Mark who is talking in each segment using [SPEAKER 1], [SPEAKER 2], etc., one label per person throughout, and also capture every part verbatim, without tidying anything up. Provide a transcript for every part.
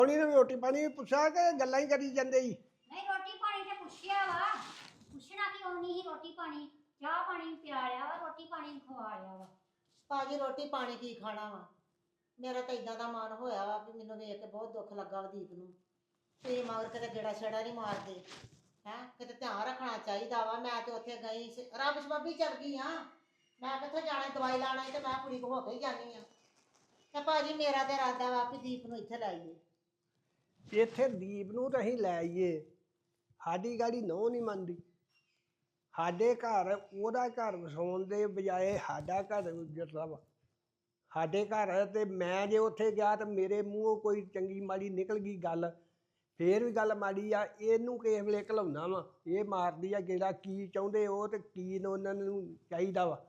[SPEAKER 1] ਉਹਨੇ ਰੋਟੀ ਪਾਣੀ ਪੁੱਛਿਆ ਕਿ ਗੱਲਾਂ ਹੀ ਕਰੀ ਜਾਂਦੇ ਸੀ।
[SPEAKER 2] ਨਹੀਂ ਰੋਟੀ ਪਾਣੀ ਤੇ ਪੁੱਛਿਆ ਵਾ, ਪੁੱਛਣਾ ਕਿਉਂ ਨਹੀਂ ਸੀ। ਰੋਟੀ ਪਾਣੀ ਚਾਹ ਪਾਣੀ ਪਿਆ ਲਿਆ ਵਾ, ਰੋਟੀ ਪਾਣੀ ਖਵਾ ਲਿਆ ਵਾ।
[SPEAKER 3] ਭਾਜੀ ਰੋਟੀ ਪਾਣੀ ਕੀ ਖਾਣਾ ਵਾ, ਮੇਰਾ ਤਾਂ ਇਦਾਂ ਦਾ ਮਨ ਹੋਇਆ ਵਾ ਵੀ ਮੈਨੂੰ ਵੇਖ ਕੇ ਬਹੁਤ ਦੁੱਖ ਲੱਗਾ ਦੀਪ ਨੂੰ। ਤੇ ਮਗਰ ਕਿਤੇ ਗੇੜਾ ਛੇੜਾ ਨਹੀਂ ਮਾਰਦੇ ਹੈ, ਕਿਤੇ ਧਿਆਨ ਰੱਖਣਾ ਚਾਹੀਦਾ ਵਾ। ਮੈਂ ਤੇ ਉੱਥੇ ਗਈ ਸੀ, ਰੱਬ ਸਬੱਬੀ ਚੱਲ ਗਈ ਆ। ਮੈਂ ਕਿੱਥੇ ਜਾਣਾ, ਦਵਾਈ ਲਾਣਾ ਤੇ ਮੈਂ ਕੁੜੀ ਕੋ ਹੋ ਕੇ ਹੀ ਜਾਣੀ ਆ। ਤੇ ਭਾਜੀ ਮੇਰਾ ਤੇ ਇਰਾਦਾ ਵਾ ਵੀ ਦੀਪ ਨੂੰ ਇੱਥੇ ਲਾਈਏ।
[SPEAKER 1] ਇੱਥੇ ਦੀਪ ਨੂੰ ਤਾਂ ਅਸੀਂ ਲੈ ਆਈਏ, ਸਾਡੀ ਗਾੜੀ ਨਹੁੰ ਨਹੀਂ ਮੰਨਦੀ। ਸਾਡੇ ਘਰ ਉਹਦਾ ਘਰ ਵਸਾਉਣ ਦੇ ਬਜਾਏ ਸਾਡਾ ਘਰ ਉੱਜੜਦਾ ਵਾ। ਸਾਡੇ ਘਰ ਤੇ ਮੈਂ ਜੇ ਉੱਥੇ ਗਿਆ ਤਾਂ ਮੇਰੇ ਮੂੰਹੋਂ ਕੋਈ ਚੰਗੀ ਮਾੜੀ ਨਿਕਲ ਗਈ ਗੱਲ, ਫੇਰ ਵੀ ਗੱਲ ਮਾੜੀ ਆ। ਇਹਨੂੰ ਕਿਸੇ ਵੇਲੇ ਘਲਾਉਣਾ ਵਾ, ਇਹ ਮਾਰਦੀ ਆ ਗੇੜਾ। ਕੀ ਚਾਹੁੰਦੇ ਉਹ ਤੇ ਕੀ ਉਹਨਾਂ ਨੂੰ ਚਾਹੀਦਾ ਵਾ।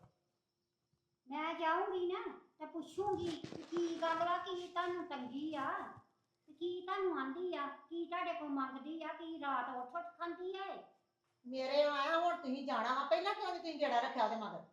[SPEAKER 2] ਮੈਂ ਜਾਊਂਗੀ ਨਾ ਤੇ ਪੁੱਛੂੰਗੀ ਕਿ ਕੀ ਗੱਲ ਵਾ, ਕੀ ਤੁਹਾਨੂੰ ਤੰਗੀ ਆ, ਤੇ ਕੀ ਤੁਹਾਨੂੰ ਆਂਦੀ ਆ, ਕੀ ਤੁਹਾਡੇ ਕੋਲ ਮੰਗਦੀ ਆ, ਕੀ ਰਾਤ ਉੱਠ ਉੱਠ ਖਾਂਦੀ ਆ।
[SPEAKER 3] ਮੇਰੇ ਆਇਆ ਹੁਣ ਤੁਸੀਂ ਜਾਣਾ ਵਾ, ਪਹਿਲਾਂ ਕਿਉਂ ਨੀ ਤੁਸੀਂ ਗੇੜਾ ਰੱਖਿਆ ਉਹਦੇ ਮਗਰ?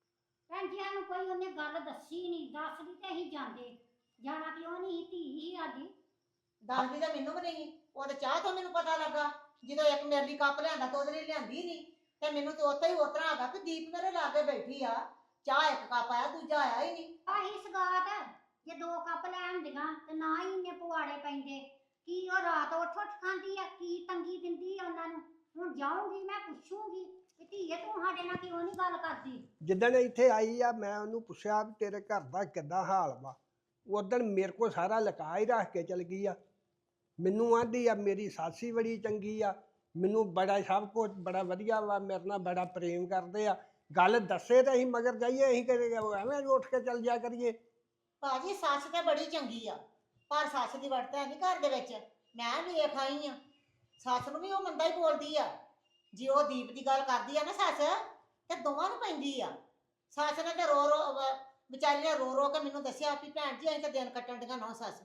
[SPEAKER 2] ਭੈਣ ਜੀ ਨੂੰ ਕੋਈ ਉਹਨੇ ਗੱਲ ਦੱਸੀ ਨਹੀਂ, ਦੱਸਦੀ ਤੇ ਅਸੀਂ ਜਾਂਦੇ। ਜਾਣਾ ਕਿਉਂ ਨਹੀਂ, ਧੀ ਹੀ ਸਾਡੀ।
[SPEAKER 3] ਦੱਸਦੀ ਤਾਂ ਮੈਨੂੰ ਵੀ ਨਹੀਂ, ਉਹ ਤਾਂ ਚਾਹ ਤੋਂ ਮੈਨੂੰ ਪਤਾ ਲੱਗਾ। ਜਦੋਂ ਇੱਕ ਮੇਰੇ ਲਈ ਕੱਪ ਲਿਆਂਦਾ ਤਾਂ ਉਹਦੇ ਲਈ ਲਿਆਂਦੀ ਨਹੀਂ। ਤੇ ਮੈਨੂੰ ਤੇ ਉੱਥੇ ਹੀ ਉਤਰਾ ਆ ਗਿਆ ਕਿ ਦੀਪ ਮੇਰੇ ਲਾਗੇ ਬੈਠੀ ਆ, ਚਾਹ ਇੱਕ ਕੱਪ ਆਇਆ, ਦੂਜਾ ਆਇਆ ਹੀ ਨਹੀਂ।
[SPEAKER 2] ਆਹੀ ਸਗਾਤ ਜੇ ਦੋ ਕੱਪ ਲੈ ਆਉਂਦੀਆਂ ਤੇ ਨਾ ਹੀ ਇੰਨੇ ਪੁਆੜੇ ਪੈਂਦੇ। ਕੀ ਉਹ ਰਾਤ ਉੱਠ ਉੱਠ ਖਾਂਦੀ ਆ, ਕੀ ਤੰਗੀ ਦਿੰਦੀ ਆ ਉਹਨਾਂ ਨੂੰ। ਹੁਣ ਜਾਊਂਗੀ ਮੈਂ ਪੁੱਛੂੰਗੀ ਕਿ ਧੀਏ ਤੂੰ ਸਾਡੇ ਨਾਲ ਕਿਉਂ ਨਹੀਂ ਗੱਲ ਕਰਦੀ।
[SPEAKER 1] ਜਿੱਦਣ ਇੱਥੇ ਆਈ ਆ ਮੈਂ ਉਹਨੂੰ ਪੁੱਛਿਆ ਵੀ ਤੇਰੇ ਘਰ ਦਾ ਕਿੱਦਾਂ ਹਾਲ ਵਾ। ਉਦਣ ਮੇਰੇ ਕੋਲ ਸਾਰਾ ਲੁਕਾ ਹੀ ਰੱਖ ਕੇ ਚਲ ਗਈ ਆ। ਮੈਨੂੰ ਆਂਦੀ ਆ ਮੇਰੀ ਸੱਸ ਹੀ ਬੜੀ ਚੰਗੀ ਆ, ਮੈਨੂੰ ਬੜਾ ਸਭ ਕੁਝ ਬੜਾ ਵਧੀਆ ਵਾ, ਮੇਰੇ ਨਾਲ ਬੜਾ ਪ੍ਰੇਮ ਕਰਦੇ ਆ। ਗੱਲ ਦੱਸੇ ਤਾਂ ਅਸੀਂ ਮਗਰ ਜਾਈਏ, ਅਸੀਂ ਕਦੇ ਐਵੇਂ ਉੱਠ ਕੇ ਚੱਲ ਜਾ ਕਰੀਏ।
[SPEAKER 3] ਭਾਜੀ ਸੱਸ ਤੇ ਬੜੀ ਚੰਗੀ ਆ, ਪਰ ਸੱਸ ਦੀ ਵਰਤੋਂ ਨਹੀਂ ਘਰ ਦੇ ਵਿੱਚ। ਮੈਂ ਵੇਖ ਆਈ ਆ, ਸੱਸ ਨੂੰ ਵੀ ਉਹ ਮੰਦਾ ਹੀ ਬੋਲਦੀ ਆ। ਜੇ ਉਹ ਦੀਪ ਦੀ ਗੱਲ ਕਰਦੀ ਆ ਨਾ ਸੱਸ, ਤੇ ਦੋਵਾਂ ਨੂੰ ਪੈਂਦੀ ਆ। ਸੱਸ ਨੇ ਤੇ ਰੋ ਰੋ ਵਿਚਾਰੀ ਨੇ ਰੋ ਰੋ ਕੇ ਮੈਨੂੰ ਦੱਸਿਆ ਵੀ ਭੈਣ ਜੀ ਅਸੀਂ ਤਾਂ ਦਿਨ ਕੱਟਣ ਦੀਆਂ ਨੌ ਸੱਸ।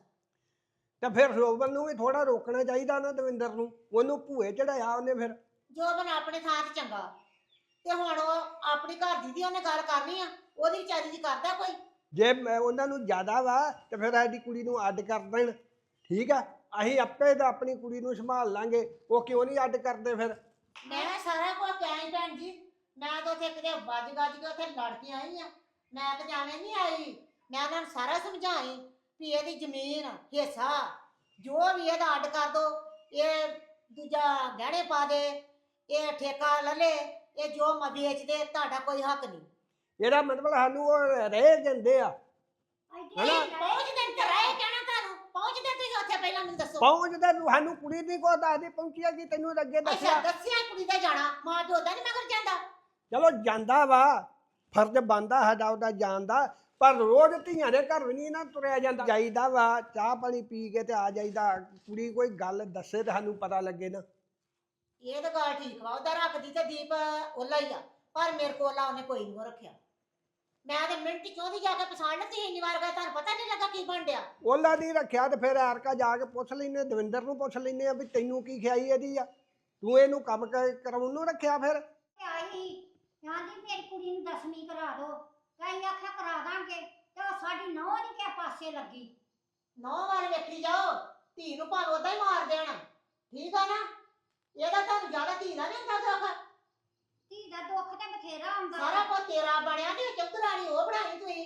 [SPEAKER 1] ਤੇ ਫਿਰ ਰੋਬਨ ਨੂੰ ਵੀ ਥੋੜਾ ਰੋਕਣਾ ਚਾਹੀਦਾ ਨਾ, ਦਵਿੰਦਰ ਨੂੰ। ਉਹਨੂੰ ਭੂਏ ਚੜਾਇਆ ਉਹਨੇ। ਫਿਰ
[SPEAKER 3] ਜੋਬਨ ਆਪਣੇ ਥਾਂ ਤੇ ਚੰਗਾ, ਤੇ ਹੁਣ ਉਹ ਆਪਣੀ ਘਰ ਦੀ ਦੀ ਉਹਨੇ ਗੱਲ ਕਰਨੀ ਆ, ਉਹਦੀ ਵਿਚਾਰੀ ਦੀ ਕਰਦਾ ਕੋਈ।
[SPEAKER 1] ਜੇ ਮੈਂ ਉਹਨਾਂ ਨੂੰ ਜ਼ਿਆਦਾ ਵਾ ਤੇ ਫਿਰ ਸਾਡੀ ਕੁੜੀ ਨੂੰ ਅੱਡ ਕਰ ਦੇਣ, ਠੀਕ ਆ। ਅਸੀਂ ਆਪੇ ਤਾਂ ਆਪਣੀ ਕੁੜੀ ਨੂੰ ਸੰਭਾਲ ਲਾਂਗੇ, ਉਹ ਕਿਉਂ ਨਹੀਂ ਅੱਡ ਕਰਦੇ ਫਿਰ।
[SPEAKER 3] ਮੈਂ ਸਾਰਾ ਕੁਝ ਕਹਿ ਭੈਣ ਜੀ, ਮੈਂ ਤਾਂ ਉੱਥੇ ਕਿਤੇ ਵੱਜ ਗੱਜ ਕੇ ਉੱਥੇ ਲੜ ਕੇ ਆਈ ਆ। ਮੈਂ ਤਾਂ ਜਾਵੇਂ ਨਹੀਂ ਆਈ, ਮੈਂ ਉਹਨਾਂ ਨੂੰ ਸਾਰਾ ਸਮਝਾਈ ਵੀ ਇਹਦੀ ਜ਼ਮੀਨ ਹਿੱਸਾ ਜੋ ਵੀ ਇਹਦਾ ਅੱਡ ਕਰ ਦੋ, ਇਹ ਦੂਜਾ ਗਹਿਣੇ ਪਾ ਦੇ, ਇਹ ਠੇਕਾ ਲੈ ਲੈ, ਇਹ ਜੋ ਮ ਵੇਚ ਦੇ, ਤੁਹਾਡਾ ਕੋਈ ਹੱਕ ਨਹੀਂ।
[SPEAKER 1] ਇਹਦਾ ਮਤਲਬ ਸਾਨੂੰ ਉਹ ਰਹਿ ਜਾਂਦੇ ਆ।
[SPEAKER 3] ਹਨਾ ਪਹੁੰਚਦੇ ਤੇ ਰਹੇ ਕਹਿਣਾ ਤੁਹਾਨੂੰ, ਪਹੁੰਚਦੇ ਤੁਸੀਂ ਉੱਥੇ ਪਹਿਲਾਂ ਮੈਨੂੰ ਦੱਸੋ।
[SPEAKER 1] ਪਹੁੰਚਦੇ ਨੂੰ ਸਾਨੂੰ ਕੁੜੀ ਦੀ ਕੋ ਦੱਸਦੀ ਪਹੁੰਚਿਆ ਕੀ ਤੈਨੂੰ ਅੱਗੇ
[SPEAKER 3] ਅੱਛਾ
[SPEAKER 1] ਦੱਸਿਆ।
[SPEAKER 3] ਦੱਸਿਆ ਕੁੜੀ ਦਾ ਜਾਣਾ, ਮਾਂ ਪਿਓ ਦਾ ਨਹੀਂ ਮਗਰ ਜਾਂਦਾ।
[SPEAKER 1] ਚਲੋ ਜਾਂਦਾ ਵਾ, ਫਰਜ਼ ਬਣਦਾ ਸਾਡਾ ਉਹਦਾ ਜਾਣ ਦਾ, ਪਰ ਰੋਜ਼ ਧੀਆਂ ਦੇ ਘਰ ਵੀ ਨਹੀਂ ਨਾ ਤੁਰਿਆ ਜਾਂਦਾ। ਜਾਈਦਾ ਵਾ ਚਾਹ ਪਾਣੀ ਪੀ ਕੇ ਤੇ ਆ ਜਾਈਦਾ। ਕੁੜੀ ਕੋਈ ਗੱਲ ਦੱਸੇ ਤੇ ਸਾਨੂੰ ਪਤਾ ਲੱਗੇ ਨਾ।
[SPEAKER 3] ਇਹ ਤਾਂ ਗੱਲ ਠੀਕ ਵਾ, ਉਹਦਾ ਰੱਖਦੀ ਤੇ ਦੀਪ ਉਹਲਾ ਹੀ ਆ, ਪਰ ਮੇਰੇ ਕੋਲ ਉਹਨੇ ਕੋਈ ਨਹੀਂ ਰੱਖਿਆ। ਮੈਂ ਤੇ ਮਿੰਟ ਕਿਉਂ ਦੀ ਜਾ ਕੇ ਪਛਾਣ ਲਈ, ਤੁਸੀਂ ਇੰਨੀ ਵਾਰ ਗਏ ਤੁਹਾਨੂੰ ਪਤਾ ਨਹੀਂ ਲੱਗਾ ਕੀ ਬਣ ਡਿਆ।
[SPEAKER 1] ਉਹਲਾ ਦੀ ਰੱਖਿਆ ਤੇ ਫਿਰ ਐਰਕਾ ਜਾ ਕੇ ਪੁੱਛ ਲੈਨੇ, ਦਵਿੰਦਰ ਨੂੰ ਪੁੱਛ ਲੈਨੇ ਆ ਵੀ ਤੈਨੂੰ ਕੀ ਖਿਆਈ ਇਹਦੀ ਆ, ਤੂੰ ਇਹਨੂੰ ਕੰਮ ਕਰਾਉਣ ਨੂੰ ਰੱਖਿਆ। ਫਿਰ
[SPEAKER 2] ਆਈ ਕਹਿੰਦੀ ਮੇਰੀ ਕੁੜੀ ਨੂੰ ਦਸਵੀਂ ਕਰਾ ਦੋ, ਕਈ ਆਖਿਆ ਕਰਾ ਦਾਂਗੇ, ਤੇ ਉਹ ਸਾਡੀ ਨੌਂ ਨਹੀਂ ਕਿਸੇ ਪਾਸੇ ਲੱਗੀ।
[SPEAKER 3] ਨੌ ਵਾਰ ਵੇਖੀ ਜਾਓ, ਧੀ ਨੂੰ ਭਾਵੇਂ ਉਦਾਂ ਹੀ ਮਾਰ ਦੇਣਾ, ਠੀਕ ਆ ਨਾ। ਇਹਦਾ ਤੁਹਾਨੂੰ ਜ਼ਿਆਦਾ ਧੀ ਦਾ ਨਹੀਂ ਹੁੰਦਾ ਦੁੱਖ।
[SPEAKER 2] ਧੀ ਦਾ ਦੁੱਖ ਤੇ ਬਥੇਰਾ ਹੁੰਦਾ।
[SPEAKER 3] ਸਾਰਾ ਕੁਝ ਤੇਰਾ ਬਣਿਆ ਤੇ ਚੌਧਰਾਣੀ ਉਹ ਬਣਾਈ ਤੁਸੀਂ।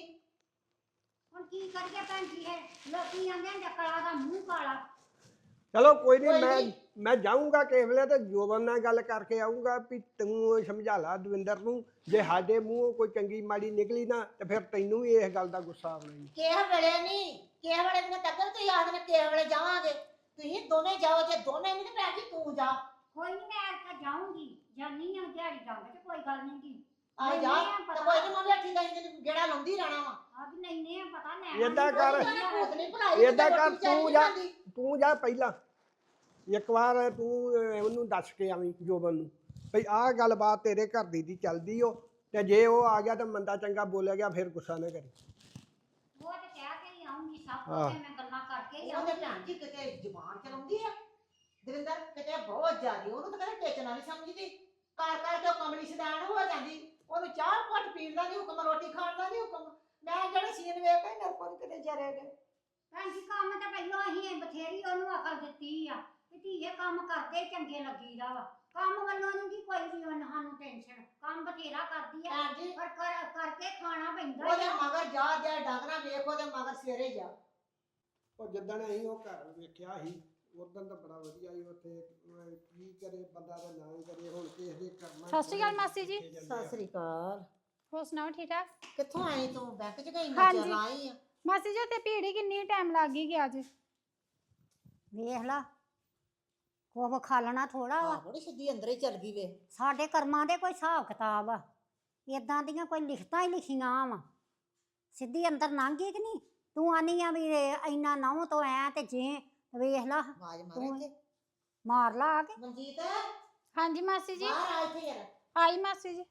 [SPEAKER 2] ਹੁਣ ਕੀ ਕਰੀਏ ਭੈਣ ਜੀ, ਹੈ ਲੋਕੀ ਆਂਦੇ ਨੇ ਕਲਾ ਦਾ ਮੂੰਹ ਕਾਲਾ।
[SPEAKER 1] ਚਲੋ ਕੋਈ ਨਹੀਂ, ਮੈਂ ਮੈਂ ਜਾਊਂਗਾ ਕਿਸੇ ਵੇਲੇ ਤੇ ਜੋਬਨ ਨਾਲ ਗੱਲ ਕਰਕੇ ਆਊਂਗਾ ਵੀ ਤੂੰ ਸਮਝਾ ਲਾ ਦਵਿੰਦਰ ਨੂੰ। ਜੇ ਸਾਡੇ ਮੂੰਹੋਂ ਕੋਈ ਚੰਗੀ ਮਾੜੀ ਨਿਕਲੀ ਨਾ ਤੇ ਫਿਰ ਤੈਨੂੰ ਵੀ ਇਸ ਗੱਲ ਦਾ ਗੁੱਸਾ ਆਉਣਾ ਹੀ।
[SPEAKER 3] ਕਿਸੇ ਵੇਲੇ ਨਹੀਂ, ਕਿਸੇ ਵੇਲੇ ਦੀਆਂ ਤੱਕ ਤੁਸੀਂ ਆਖਦੇ ਨੇ ਕਿਸੇ ਵੇਲੇ ਜਾਵਾਂਗੇ। ਤੁਸੀਂ ਦੋਵੇਂ ਜਾਓ, ਜੇ ਦੋਵੇਂ ਨਹੀਂ ਤੇ ਭੈਣ ਜੀ ਤੂੰ ਜਾ।
[SPEAKER 2] ਕੋਈ ਨਹੀਂ ਮੈਂ ਇੱਥੇ ਜਾਊਂਗੀ, ਜਾਨੀ ਆ ਦਿਹਾੜੀ ਜਾਂਦੇ ਤੇ ਕੋਈ ਗੱਲ ਨਹੀਂ ਗੀ।
[SPEAKER 3] ਆ ਜਾ ਤੇ ਕੋਈ ਨਹੀਂ, ਮੈਂ ਬੈਠੀ ਗਈ ਤੇ ਗੇੜਾ ਲਾਉਂਦੀ ਰਹਿਣਾ ਵਾ।
[SPEAKER 2] ਆ ਵੀ ਲੈਨੇ ਆ ਪਤਾ ਲੈ।
[SPEAKER 1] ਏਦਾਂ ਕਰ, ਏਦਾਂ ਕਰ, ਤੂੰ ਜਾ, ਤੂੰ ਜਾ ਪਹਿਲਾਂ ਇੱਕ ਵਾਰ ਤੂੰ ਉਹਨੂੰ ਦੱਸ ਕੇ ਆਵੀਂ ਜੋਬਨ ਨੂੰ ਭਈ ਆਹ ਗੱਲਬਾਤ ਤੇਰੇ ਘਰ ਦੀ ਦੀ ਚੱਲਦੀ ਓ, ਤੇ ਜੇ ਉਹ ਆ ਗਿਆ ਤਾਂ ਮੰਦਾ ਚੰਗਾ ਬੋਲਿਆ ਗਿਆ ਫਿਰ ਗੁੱਸਾ ਨਾ ਕਰੀ।
[SPEAKER 2] ਉਹ ਤੇ ਕਹਿ ਕੇ ਹੀ ਆਉਂਗੀ, ਸਭ ਕੁਝ ਮੈਂ ਗੱਲਾਂ ਕਰਕੇ ਹੀ
[SPEAKER 3] ਉਹਦੇ
[SPEAKER 2] ਆਉਂਗੀ।
[SPEAKER 3] ਭੈਣ ਜੀ ਕਿਤੇ ਜ਼ੁਬਾਨ ਚਲਾਉਂਦੀ ਆ ਦਵਿੰਦਰ, ਕਿਤੇ ਬਹੁਤ ਜ਼ਿਆਦੀ। ਉਹਨੂੰ ਤਾਂ ਕਦੇ ਟੇਚਣਾ ਨਹੀਂ ਸਮਝਦੀ, ਕਰ ਕਰ ਕੇ ਉਹ ਕਮਲੀ ਸ਼ੈਤਾਨ ਹੋ ਜਾਂਦੀ। ਉਹਨੂੰ ਚਾਹ ਘੁੱਟ ਪੀਣ ਦਾ ਨਹੀਂ ਹੁਕਮ, ਰੋਟੀ ਖਾਣ ਦਾ ਨਹੀਂ ਹੁਕਮ। ਮੈਂ ਜਿਹੜੇ ਸੀਨ ਵੇਖ ਕੇ ਮੇਰੇ ਕੋਲ ਕਿਤੇ ਜਰੇ ਗਏ।
[SPEAKER 2] ਭੈਣ ਜੀ ਕੰਮ ਤਾਂ ਪਹਿਲਾਂ ਅਸੀਂ ਬਥੇਰੀ ਉਹਨੂੰ ਅਕਲ ਦਿੱਤੀ ਆ ਕਿ ਧੀਏ ਕੰਮ ਕਰਦੇ ਚੰਗੇ ਲੱਗੀਦਾ ਵਾ ਕੰਮ ਵੱਲੋਂ ਨਹੀਂ ਜੀ ਕੋਈ ਵੀ ਉਹਨਾਂ ਸਾਨੂੰ ਟੈਨਸ਼ਨ ਕੰਮ ਬਥੇਰਾ ਕਰਦੀ ਆ
[SPEAKER 3] ਭੈਣ ਜੀ
[SPEAKER 2] ਪਰ ਕਰ- ਕਰਕੇ ਖਾਣਾ ਪੈਂਦਾ
[SPEAKER 3] ਉਹਦੇ
[SPEAKER 2] ਆ।
[SPEAKER 3] ਮਗਰ ਜਾ ਜਾ ਡਾਂਗਣਾ ਵੇਖ ਉਹਦੇ ਮਗਰ ਸਵੇਰੇ ਜਾ।
[SPEAKER 1] ਉਹ ਜਿੱਦਣ ਅਸੀਂ ਉਹ ਘਰ ਵੇਖਿਆ ਸੀ ਉਦੋਂ ਤਾਂ ਬੜਾ ਵਧੀਆ ਸੀ ਉੱਥੇ ਅਹ ਕੀ ਕਰੇ ਬੰਦਾ ਤਾਂ ਨਾ ਹੀ ਕਰੇ ਹੁਣ ਕਿਸੇ ਦੇ ਕਰਨਾ
[SPEAKER 4] ਸਤਿ ਸ਼੍ਰੀ ਅਕਾਲ ਮਾਸੀ ਜੀ।
[SPEAKER 3] ਸਤਿ ਸ੍ਰੀ ਅਕਾਲ।
[SPEAKER 4] ਹੋਰ ਸੁਣਾਓ ਠੀਕ ਠਾਕ?
[SPEAKER 3] ਕਿੱਥੋਂ ਆਈ ਤੂੰ? ਬੈਂਕ ਚ ਗਈ ਨਾ
[SPEAKER 4] ਹਾਂਜੀ।
[SPEAKER 3] ਚੱਲ ਆਈ ਆ।
[SPEAKER 4] ਮਾਸੀ ਜੀ ਤੇ ਭੀੜ ਹੀ ਕਿੰਨੀ ਟਾਈਮ ਲੱਗ ਗਈ ਗਿਆ ਅੱਜ।
[SPEAKER 2] ਵੇਖ ਲਾ ਕੋਹ ਖਾਲਣਾ ਥੋੜਾ ਵਾ
[SPEAKER 3] ਆਹ ਬੜੀ ਸਿੱਧੀ ਅੰਦਰ ਹੀ ਚੱਲ ਗਈ ਵੇ।
[SPEAKER 2] ਸਾਡੇ ਕਰਮਾਂ ਦੇ ਕੋਈ ਹਿਸਾਬ ਕਿਤਾਬ ਆ ਇਦਾਂ ਦੀਆਂ ਕੋਈ ਲਿਖਤਾਂ ਹੀ ਲਿਖੀਆਂ ਵਾ ਸਿੱਧੀ ਅੰਦਰ ਲੰਘ ਗਈ ਕਿ ਨਹੀਂ ਤੂੰ ਆਨੀ ਆ ਵੀ ਇਹ ਇੰਨਾ ਨਹੁੰ ਤੋਂ ਐ ਤੇ ਜੇ ਵੇਖ ਲਾ
[SPEAKER 3] ਆਵਾਜ਼ ਮਾਰੇ
[SPEAKER 2] ਤੂੰ-
[SPEAKER 3] ਇੱਥੇ।
[SPEAKER 2] ਮਾਰ ਲਾ ਆ ਕੇ
[SPEAKER 3] ਮਨਜੀਤ
[SPEAKER 4] ਹਾਂਜੀ ਮਾਸੀ ਜੀ।
[SPEAKER 3] ਬਾਹਰ ਆ ਇੱਥੇ ਯਾਰ।
[SPEAKER 4] ਆਈ ਮਾਸੀ ਜੀ।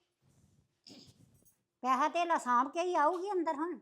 [SPEAKER 2] ਪੈਸਾ ਧੇਲਾ ਸਾਂਭ ਕੇ ਹੀ ਆਊਗੀ ਅੰਦਰ ਹੁਣ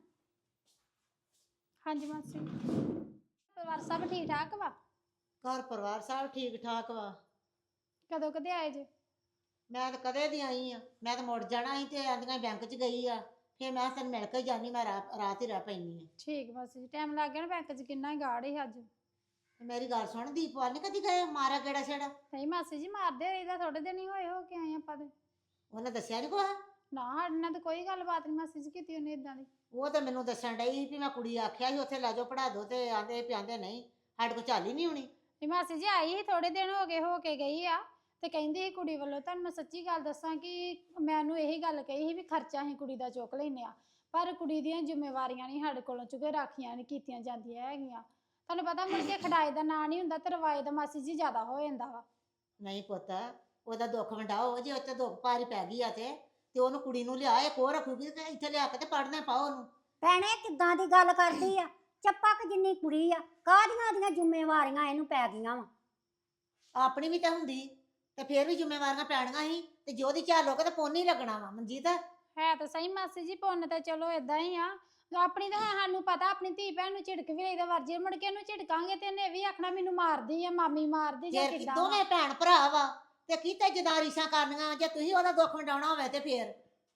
[SPEAKER 4] ਹਾਂਜੀ ਮਾਸੀ। ਪਰਿਵਾਰ ਸਭ ਠੀਕ ਠਾਕ ਵਾ?
[SPEAKER 3] ਘਰ ਪਰਿਵਾਰ ਸਭ ਠੀਕ ਠਾਕ ਵਾ।
[SPEAKER 4] ਕਦੋਂ ਕਦੇ ਆਏ ਜੇ?
[SPEAKER 3] ਮੈਂ ਤਾਂ ਕਦੇ ਦੀ ਆਈ ਆ। ਮੈਂ ਤਾਂ ਮੁੜ ਜਾਣਾ ਸੀ ਤੇ ਆਂਦੀਆਂ ਬੈਂਕ ਚ ਗਈ ਆ। ਫਿਰ ਮੈਂ ਤੈਨੂੰ ਮਿਲ ਕੇ ਜਾਨੀ ਮੈਂ ਰਾ- ਰਾਤ ਹੀ ਰਹਿ ਪੈਣੀ ਆ।
[SPEAKER 4] ਠੀਕ ਮਾਸੀ ਜੀ। ਟਾਈਮ ਲੱਗ ਗਿਆ ਨਾ ਬੈਂਕ 'ਚ ਕਿੰਨਾ ਹੀ ਗਾੜ ਹੀ ਅੱਜ।
[SPEAKER 3] ਤੇ ਮੇਰੀ ਗੱਲ ਸੁਣ ਦੀਪਵਾਲ ਨੇ ਕਦੀ ਗਏ ਮਾਰਾ ਕਿਹੜਾ ਛੇੜਾ?
[SPEAKER 4] ਨਹੀਂ ਮਾਸੀ ਜੀ ਮਾਰਦੇ ਰਹੀਦਾ ਥੋੜੇ ਦਿਨ ਹੀ ਹੋਏ ਹੋ ਕੇ ਆਏ ਆਪਾਂ ਤੇ।
[SPEAKER 3] ਉਹਨੇ ਦੱਸਿਆ ਨਹੀਂ ਕੁਛ?
[SPEAKER 4] ਨਾ ਸਾਡੇ ਨਾਲ ਤਾਂ ਕੋਈ ਗੱਲਬਾਤ ਨਹੀਂ ਮਾਸੀ ਜੀ ਕੀਤੀ ਉਹਨੇ ਇਦਾਂ ਦੀ।
[SPEAKER 3] ਉਹ ਤਾਂ ਮੈਨੂੰ ਦੱਸਣ ਡਈ ਸੀ ਵੀ ਮੈਂ ਕੁੜੀ ਆਖਿਆ ਸੀ ਉੱਥੇ ਲੈ ਜਾਓ ਪੜਾ ਦੋ ਤੇ ਆਂਦੇ ਪਿਆਂਦੇ ਨਹੀਂ ਸਾਡੇ ਕੋਲ ਚੱਲ ਹੀ ਨਹੀਂ ਹੋਣੀ।
[SPEAKER 4] ਨਹੀਂ ਮਾਸੀ ਜੀ ਆਈ ਸੀ ਥੋੜੇ ਦਿਨ ਹੋ ਗਏ ਹੋ ਕੇ ਗਈ ਆ ਤੇ ਕਹਿੰਦੀ ਸੀ ਕੁੜੀ ਵੱਲੋਂ ਤੁਹਾਨੂੰ ਮੈਂ ਸੱਚੀ ਗੱਲ ਦੱਸਾਂ ਕਿ ਮੈਨੂੰ ਇਹੀ ਗੱਲ ਕਹੀ ਸੀ ਵੀ ਖਰਚਾ ਅਸੀਂ ਕੁੜੀ ਦਾ ਚੁੱਕ ਲੈਨੇ ਆ ਪਰ ਕੁੜੀ ਦੀਆਂ ਜ਼ਿੰਮੇਵਾਰੀਆਂ ਨਹੀਂ ਸਾਡੇ ਕੋਲੋਂ ਚੁੱਕੇ ਰਾਖੀਆਂ ਨਹੀਂ ਕੀਤੀਆਂ ਜਾਂਦੀਆਂ ਹੈਗੀਆਂ। ਤੁਹਾਨੂੰ ਪਤਾ ਮੁੜ ਕੇ ਖੜਾਏ ਦਾ ਨਾਂ ਨਹੀਂ ਹੁੰਦਾ ਤੇ ਰਵਾਏ ਦਾ ਮਾਸੀ ਜੀ ਜ਼ਿਆਦਾ ਹੋ ਜਾਂਦਾ ਵਾ।
[SPEAKER 3] ਨਹੀਂ ਪੁੱਤ ਉਹਦਾ ਦੁੱਖ ਵੰਡਾਓ ਜੇ ਉੱਤੇ ਦੁੱਖ ਭਾਰੀ ਪੈ ਗਈ ਆ ਤੇ ਤੇ ਉਹਨੂੰ ਕੁੜੀ ਨੂੰ ਲਿਆ ਇੱਕ ਹੋਰ ਰੱਖੂਗੀ ਤੇ ਇੱਥੇ ਲਿਆ ਕੇ ਤੇ ਪੜ੍ਹਨੇ ਪਾਓ ਉਹਨੂੰ।
[SPEAKER 2] ਭੈਣੇ ਕਿੱਦਾਂ ਦੀ ਗੱਲ ਕਰਦੀ ਆ ਚੱਪਕ ਜਿੰਨੀ ਕੁੜੀ ਆ ਕਾਹਦੀਆਂ ਦੀਆਂ ਜ਼ਿੰਮੇਵਾਰੀਆਂ ਇਹਨੂੰ ਪੈ ਗਈਆਂ ਵਾ
[SPEAKER 3] ਆਪਣੀ ਵੀ ਤਾਂ ਹੁੰਦੀ ਤੇ ਫੇਰ ਵੀ ਜ਼ਿੰਮੇਵਾਰੀਆਂ ਪੈਣੀਆਂ ਸੀ ਤੇ ਜੋ ਦੀ ਝਾਲ ਹੋ ਕੇ ਤੇ ਪੁੰਨ ਹੀ ਲੱਗਣਾ ਵਾ ਮਨਜੀਤ।
[SPEAKER 4] ਹੈ ਤਾਂ ਸਹੀ ਮਾਸੀ ਜੀ ਪੁੰਨ ਤਾਂ ਚਲੋ ਏਦਾਂ ਹੀ ਆ ਆਪਣੀ ਤਾਂ ਹੁਣ ਸਾਨੂੰ ਪਤਾ ਆਪਣੀ ਧੀ ਭੈਣ ਨੂੰ ਝਿੜਕ ਵੀ ਲਈਦਾ ਵਰਜੇ ਮੁੜ ਕੇ ਇਹਨੂੰ ਝਿੜਕਾਂਗੇ ਤੇ ਇਹਨੇ ਵੀ ਆਖਣਾ ਮੈਨੂੰ ਮਾਰਦੀ ਆ ਮਾਮੀ ਮਾਰਦੀ ਜਾਂ
[SPEAKER 3] ਜੇ
[SPEAKER 4] ਕਿੱਦਾਂ ਵਾ।
[SPEAKER 3] ਦੋਵੇਂ ਭੈਣ ਭਰਾ ਵਾ ਤੇ ਕੀਤੇ ਜਦਾਰੀਸ਼ਾਂ ਕਰਨੀਆਂ ਜੇ ਤੁਸੀਂ ਉਹਦਾ ਦੁੱਖ ਵੰਡਾਉਣਾ ਹੋਵੇ ਤੇ ਫੇਰ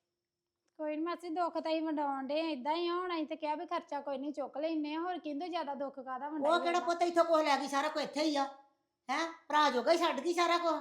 [SPEAKER 4] ਕੋਈ ਨੀ ਮਾਸੀ ਦੁੱਖ ਤਾਂ ਹੀ ਵੰਡਾਉਣ ਦੇ ਏਦਾਂ ਹੀ ਆ ਹੁਣ ਅਸੀਂ ਤੇ ਕਿਹਾ ਵੀ ਖਰਚਾ ਕੋਈ ਨਹੀਂ ਚੁੱਕ ਲੈਨੇ ਆ ਹੋਰ ਕਿੰਦੋਂ ਜ਼ਿਆਦਾ ਦੁੱਖ ਕਾਹਦਾ ਵੰਡਾਈ
[SPEAKER 3] ਉਹ ਕਿਹੜਾ ਪੁੱਤ ਇੱਥੋਂ ਕੁਛ ਲੈ ਗਈ ਸਾਰਾ ਕੁਝ ਇੱਥੇ ਹੀ ਆ ਹੈ ਭਰਾ ਜੋਗਾ ਹੀ ਛੱਡ ਗਈ ਸਾਰਾ ਕੁਝ।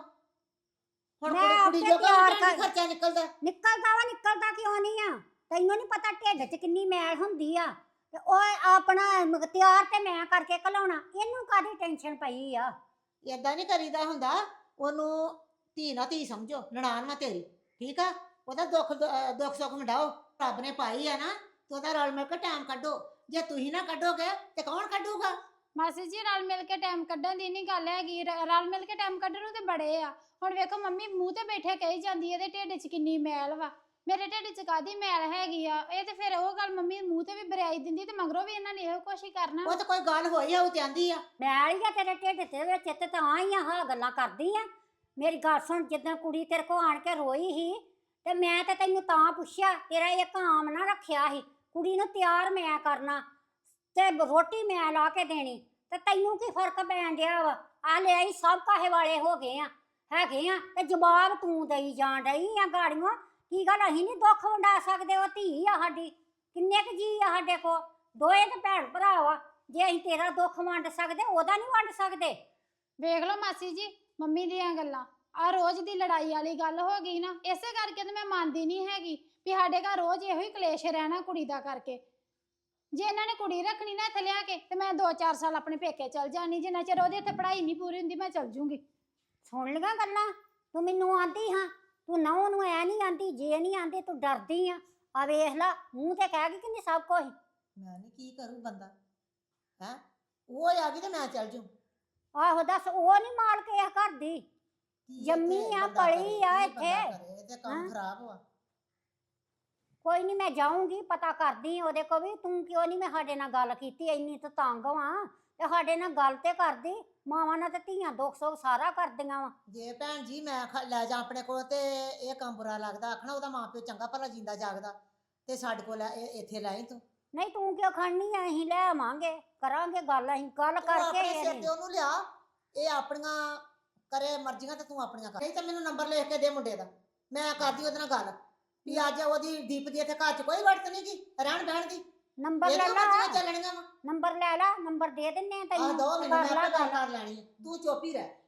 [SPEAKER 3] ਹੁਣ
[SPEAKER 2] ਮੈਂ
[SPEAKER 3] ਕੁੜੀ ਕੁੜੀ
[SPEAKER 2] ਆਪੇ
[SPEAKER 3] ਜੋਗਾ
[SPEAKER 2] ਤਿਆਰ
[SPEAKER 3] ਵੀ ਭੈਣ
[SPEAKER 2] ਕਰ-
[SPEAKER 3] ਖਰਚਾ ਨਿਕਲਦਾ।
[SPEAKER 2] ਨਿਕਲਦਾ ਵਾ ਨਿਕਲਦਾ ਕਿਉਂ ਨਹੀਂ ਆ ਤੈਨੂੰ ਨਹੀਂ ਪਤਾ ਢਿੱਡ 'ਚ ਕਿੰਨੀ ਮੈਲ ਹੁੰਦੀ ਆ ਤੇ ਉਹ ਆਪਣਾ ਮ- ਤਿਆਰ ਤੇ ਮੈਂ ਕਰਕੇ ਘਲਾਉਣਾ ਇਹਨੂੰ ਕਾਹਦੀ ਟੈਨਸ਼ਨ ਪਈ ਆ
[SPEAKER 3] ਏਦਾਂ ਨਹੀਂ ਕਰੀਦਾ ਹੁੰਦਾ। ਉਹਨੂੰ ਧੀ ਨਾ ਧੀ ਸਮਝੋ ਨਨਾਣ ਨਾ ਤੇਰੀ ਠੀਕ ਆ। ਉਹਦਾ ਦੁੱਖ ਦ- ਅਹ ਦੁੱਖ ਸੁੱਖ ਵੰਡਾਓ ਰੱਬ ਨੇ ਪਾਈ ਆ ਨਾ ਤੇ ਉਹਦਾ ਰਲ ਮਿਲ ਕੇ ਟਾਈਮ ਕੱਢੋ। ਜੇ ਤੁਸੀਂ ਨਾ ਕੱਢੋਗੇ ਤੇ ਕੌਣ ਕੱਢੂਗਾ?
[SPEAKER 4] ਮਾਸੀ ਜੀ ਰਲ ਮਿਲ ਕੇ ਟਾਈਮ ਕੱਢਣ ਦੀ ਨਹੀਂ ਗੱਲ ਹੈਗੀ ਰ- ਰਲ ਮਿਲ ਕੇ ਟਾਈਮ ਕੱਢਣ ਨੂੰ ਤੇ ਬੜੇ ਆ। ਹੁਣ ਵੇਖੋ ਮੰਮੀ ਮੂੰਹ ਤੇ ਬੈਠੇ ਕਹੀ ਜਾਂਦੀ ਇਹਦੇ ਢਿੱਡ 'ਚ ਕਿੰਨੀ ਮੈਲ ਵਾ ਮੇਰੇ ਢਿੱਡ 'ਚ ਕਾਦੀ ਮੈਲ ਹੈਗੀ ਆ। ਇਹ ਤੇ ਫਿਰ ਉਹ ਗੱਲ ਮੰਮੀ ਮੂੰਹ ਤੇ ਵੀ ਬਰਿਆਈ ਦਿੰਦੀ ਤੇ ਮਗਰੋਂ ਵੀ ਇਹਨਾਂ ਨੇ ਇਹੋ ਕੁਛ ਹੀ ਕਰਨਾ।
[SPEAKER 3] ਉਹ ਤਾਂ ਕੋਈ ਗੱਲ ਹੋਈ ਆ ਉਹ ਤੇ ਆਂਦੀ ਆ
[SPEAKER 2] ਮੈਲ ਹੀ ਆ ਤੇਰੇ ਢਿੱਡ ਤੇ ਵਿੱਚ ਤੇ ਤਾਂ ਹੀ ਆ ਹਾਂ ਗੱਲਾਂ ਕਰਦੀ ਆ। ਮੇਰੀ ਗੱਲ ਸੁਣ ਜਿੱਦਾਂ ਕੁੜੀ ਤੇਰੇ ਕੋ ਆਣ ਕੇ ਰੋਈ ਸੀ ਤੇ ਮੈਂ ਤੇ ਤੈਨੂੰ ਤਾਂ ਪੁੱਛਿਆ ਤੇਰਾ ਇਹ ਕਾਮ ਨਾ ਰੱਖਿਆ ਸੀ ਕੁੜੀ ਨੂੰ ਤਿਆਰ ਮੈਂ ਕਰਨਾ ਤੇ ਰੋਟੀ ਮੈਂ ਲਾ ਕੇ ਦੇਣੀ ਤੇ ਤੈਨੂੰ ਕੀ ਫਰਕ ਪੈਣ ਡਿਆ ਵਾ ਆ ਲੈ ਆਈ ਸਭ ਕਾਹੇ ਵਾਲੇ ਹੋ ਗਏ ਆ ਹੈਗੇ ਆ ਤੇ ਜਵਾਬ ਤੂੰ ਦੇਈ ਜਾਣ ਡਈ ਆ ਗਾੜੀਆਂ ਕੀ ਗੱਲ ਅਸੀਂ ਨਹੀਂ ਦੁੱਖ ਵੰਡਾ ਸਕਦੇ ਉਹ ਧੀ ਆ ਸਾਡੀ ਕਿੰਨੇ ਕੁ ਜੀ ਆ ਸਾਡੇ ਕੋ ਦੋਏ ਤੇ ਭੈਣ ਭਰਾ ਵਾ ਜੇ ਅਸੀਂ ਤੇਰਾ ਦੁੱਖ ਵੰਡ ਸਕਦੇ ਉਹਦਾ ਨਹੀਂ ਵੰਡ ਸਕਦੇ।
[SPEAKER 4] ਵੇਖ ਲਓ ਮਾਸੀ ਜੀ ਮੰਮੀ ਦੀਆਂ ਗੱਲਾਂ ਆ ਰੋਜ਼ ਦੀ ਲੜਾਈ ਵਾਲੀ ਗੱਲ ਹੋ ਗਈ ਨਾ ਇਸੇ ਕਰਕੇ ਤੇ ਮੈਂ ਮੰਨਦੀ ਨਹੀਂ ਹੈਗੀ ਵੀ ਸਾਡੇ ਘਰ ਰੋਜ਼ ਇਹੋ ਹੀ ਕਲੇਸ਼ ਰਹਿਣਾ ਕੁੜੀ ਦਾ ਕਰਕੇ। ਜੇ ਇਹਨਾਂ ਨੇ ਕੁੜੀ ਰੱਖਣੀ ਨਾ ਇੱਥੇ ਲਿਆ ਕੇ ਤੇ ਮੈਂ ਦੋ ਚਾਰ ਸਾਲ ਆਪਣੇ ਪੇਕੇ ਚਲ ਜਾਣੀ ਜਿੰਨਾ ਚਿਰ ਉਹਦੀ ਇੱਥੇ ਪੜ੍ਹਾਈ ਨਹੀਂ ਪੂਰੀ ਹੁੰਦੀ ਮੈਂ ਚਲ ਜੂੰਗੀ।
[SPEAKER 2] ਸੁਣ ਲਈਆਂ ਗੱਲਾਂ ਤੂੰ ਮੈਨੂੰ ਆਂਦੀ ਹਾਂ ਤੂੰ ਨਹੁੰ ਨੂੰ ਐ ਨਹੀਂ ਆਂਦੀ ਜੇ ਨਹੀਂ ਆਂਦੀ ਤੂੰ ਡਰਦੀ ਆ ਆ ਵੇਖ ਲਾ ਮੂੰਹ ਤੇ ਕਹਿ ਗਈ ਕਿ ਸਭ ਕੁਝ।
[SPEAKER 3] ਮੈਂ ਨਹੀਂ ਕੀ ਕਰੂ ਬੰਦਾ ਹੈ ਉਹ ਆ ਗਈ ਤੇ ਮੈਂ ਚੱਲ ਜੂ।
[SPEAKER 2] ਆਹੋ ਦੱਸ ਉਹ ਨਹੀਂ ਮਾਲਕ ਇਸ ਘਰ ਦੀ
[SPEAKER 3] ਕੀ
[SPEAKER 2] ਜੰਮੀ
[SPEAKER 3] ਇੱਥੇ
[SPEAKER 2] ਆ,
[SPEAKER 3] ਬੰਦਾ
[SPEAKER 2] ਪਲੀ
[SPEAKER 3] ਕਰੇ,
[SPEAKER 2] ਆ
[SPEAKER 3] ਕੀ
[SPEAKER 2] ਇੱਥੇ।
[SPEAKER 3] ਬੰਦਾ ਕਰੇ, ਇਹ ਤੇ ਕੰਮ
[SPEAKER 2] ਹਾਂ।
[SPEAKER 3] ਖਰਾਬ ਵਾ।
[SPEAKER 2] ਕੋਈ ਨਹੀਂ ਮੈਂ ਜਾਊਂਗੀ ਪਤਾ ਕਰਦੀ ਉਹਦੇ ਕੋ ਵੀ ਤੂੰ ਕਿਉਂ ਨਹੀਂ ਮੈਂ ਸਾਡੇ ਨਾਲ ਗੱਲ ਕੀਤੀ ਇੰਨੀ ਤੂੰ ਤੰਗ ਵਾਂ ਤੇ ਸਾਡੇ ਨਾਲ ਗੱਲ ਤੇ ਕਰਦੀ ਮਾਵਾਂ ਨਾਲ ਤੇ ਧੀਆਂ ਦੁੱਖ ਸੁੱਖ ਸਾਰਾ ਕਰਦੀਆਂ ਵਾ।
[SPEAKER 3] ਜੇ ਭੈਣ ਜੀ ਮੈਂ ਖ- ਲੈ ਜਾ ਆਪਣੇ ਕੋਲ ਤੇ ਇਹ ਕੰਮ ਬੁਰਾ ਲੱਗਦਾ ਆਖਣਾ ਉਹਦਾ ਮਾਂ ਪਿਓ ਚੰਗਾ ਭਲਾ ਜਿੰਦਾ ਜਾਗਦਾ ਤੇ ਸਾਡੇ ਕੋਲ ਲੈ- ਇਹ- ਇੱਥੇ ਲੈ ਆਈ ਤੂੰ।
[SPEAKER 2] ਨਹੀਂ ਤੂੰ ਕਿਉਂ ਖੜਨੀ ਆ ਅਸੀਂ ਲੈ ਆਵਾਂਗੇ ਕਰਾਂਗੇ ਗੱਲ ਅਸੀਂ ਗੱਲ
[SPEAKER 3] ਤੂੰ
[SPEAKER 2] ਕਰਕੇ
[SPEAKER 3] ਆਪਣੇ
[SPEAKER 2] ਇਹ
[SPEAKER 3] ਸਿਰ
[SPEAKER 2] ਨੀ।
[SPEAKER 3] ਤੇ ਉਹਨੂੰ ਲਿਆ ਇਹ ਆਪਣੀਆਂ ਕਰੇ ਮਰਜ਼ੀਆਂ ਤੇ ਤੂੰ ਆਪਣੀਆਂ ਕਰ ਨਹੀਂ ਤਾਂ ਮੈਨੂੰ ਨੰਬਰ ਲਿਖ ਕੇ ਦੇ ਮੁੰਡੇ ਦਾ ਮੈਂ ਕਰਦੀ ਉਹਦੇ ਨਾਲ ਗੱਲ ਵੀ ਅੱਜ ਉਹਦੀ ਦੀਪ ਦੀ ਇੱਥੇ ਘਰ 'ਚ ਕੋਈ ਵਰਤ ਨਹੀਂ ਗੀ ਰਹਿਣ ਬਹਿਣ ਦੀ
[SPEAKER 2] ਨੰਬਰ ਲੈ
[SPEAKER 3] ਇਹਦੀਆਂ
[SPEAKER 2] ਲਾ
[SPEAKER 3] ਮਰਜ਼ੀਆਂ ਚੱਲਣੀਆਂ ਵਾ
[SPEAKER 2] ਨੰਬਰ ਲੈ ਲਾ ਨੰਬਰ ਦੇ ਦਿੰਨੇ ਆ
[SPEAKER 3] ਆ
[SPEAKER 2] ਤੈਨੂੰ
[SPEAKER 3] ਦੋ
[SPEAKER 2] ਤੇ
[SPEAKER 3] ਮੈਨੂੰ
[SPEAKER 2] ਕਰ
[SPEAKER 3] ਮੈਂ
[SPEAKER 2] ਲਾ
[SPEAKER 3] ਆਪੇ ਗੱਲ
[SPEAKER 2] ਗੱਲ
[SPEAKER 3] ਕਰ ਲੈਣੀ ਆ। ਤੂੰ ਚੁੱਪ ਹੀ ਰਹਿ।